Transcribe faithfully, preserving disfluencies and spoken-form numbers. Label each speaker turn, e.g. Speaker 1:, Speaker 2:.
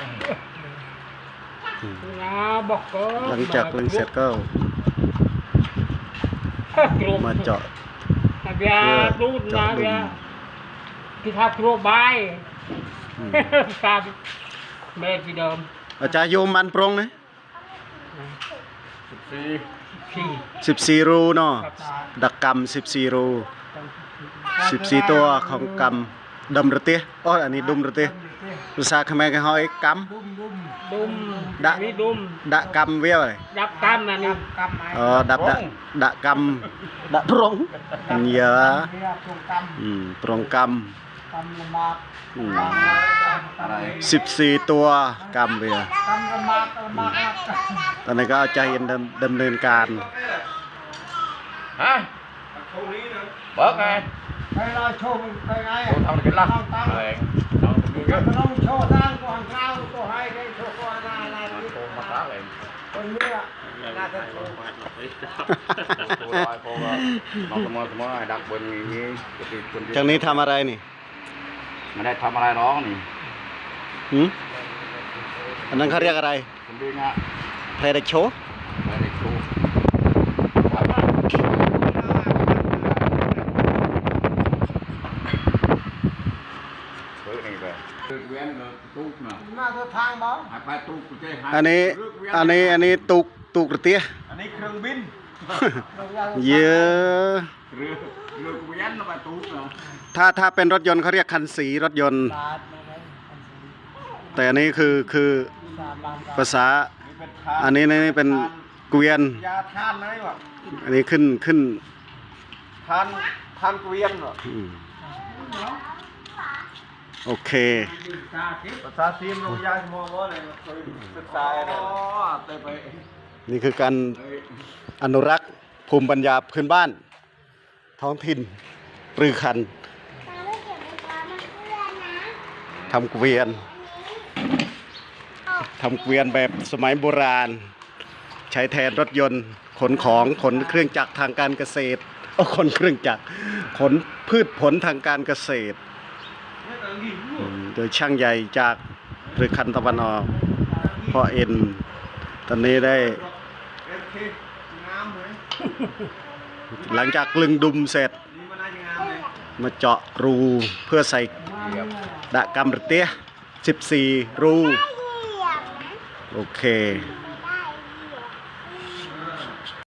Speaker 1: หลังจากลึงเสร็จก็มาเจาะเพื่อเจาะดุม
Speaker 2: ที่ทำครัวใบการเบสที่เดิม
Speaker 1: อาจารย์โยมมันปรงนะ
Speaker 2: สิบสี่
Speaker 1: สิบสี่รูเนาะดักกำสิบสี่รูสิบสี่ตัวของกำดมระเตี้ยอ๋ออันนี้ดุมระเตี้ยภาษาเขมรเขาห้อยกำ
Speaker 2: ดุม
Speaker 1: ดะ
Speaker 2: ดุม
Speaker 1: ดะกำเวียวเลย
Speaker 2: ดับกำนะนี่
Speaker 1: อ๋อดับดะดะกำดะปรงเยอะอืมปรงกำสิบสี่ตัวกำเวียตอนนี้ก็ใจเย็นดำเนินการ
Speaker 3: ฮะเบิกไง
Speaker 2: ไปรอโชว์ไปไง
Speaker 3: ทำเป็นล่ะอะไร
Speaker 2: ต้องโชว์ตั้งก่อนข้าวก็ให้ได้โชว์ก่อนอะไร
Speaker 3: โชว์มาตั้งเลย
Speaker 2: คนเนี้ยน่าจะโชว์
Speaker 3: โชว์ลอยโชว์น้องสมอสมอดักบนนี้
Speaker 1: จากนี้ทำอะไรนี่
Speaker 3: ไม่ได้ทำอะไรน้องนี่
Speaker 1: หืมอันนั้นเขาเรียกอะไร
Speaker 3: คุณดีนะ
Speaker 1: เพลย์โชว์
Speaker 3: เพลย์โชว์
Speaker 1: อันนี้อันนี้อันนี้ตุกตุกเตี้ย
Speaker 3: อันนี้เครื่องบิน
Speaker 1: เยอะ
Speaker 3: เรือเรือเวียนมาตุกเนาะ
Speaker 1: ถ้าถ้าเป็นรถยนต์เขาเรียกคันสีรถยนต์แต่อันนี้คือคือภาษาอันนี้นี่เป็นเกวียน
Speaker 3: ยาทานไหมวะ
Speaker 1: อันนี้ขึ้นขึ้น
Speaker 3: ทานทานเกวียนเหรอ
Speaker 1: โอเค
Speaker 3: ภาษาซีมลงยาสมองว่าเลยศึกษาอะไร
Speaker 1: นี่คือการอนุรักษ์ภูมิปัญญาพื้นบ้านท้องถิ่นปรือคันทำเกวียนทำเกวียนแบบสมัยโบราณใช้แทนรถยนต์ขนของขนเครื่องจักรทางการเกษตรโอ้ขนเครื่องจักรขนพืชผลทางการเกษตรโดยช่างใหญ่จากปรือคันตะวันออกพ่อเอ็นตอนนี้ได้หลังจากกลึงดุมเสร็จมาเจาะรูเพื่อใส่ดะกำระเตี้ยสิบสี่รูโอเค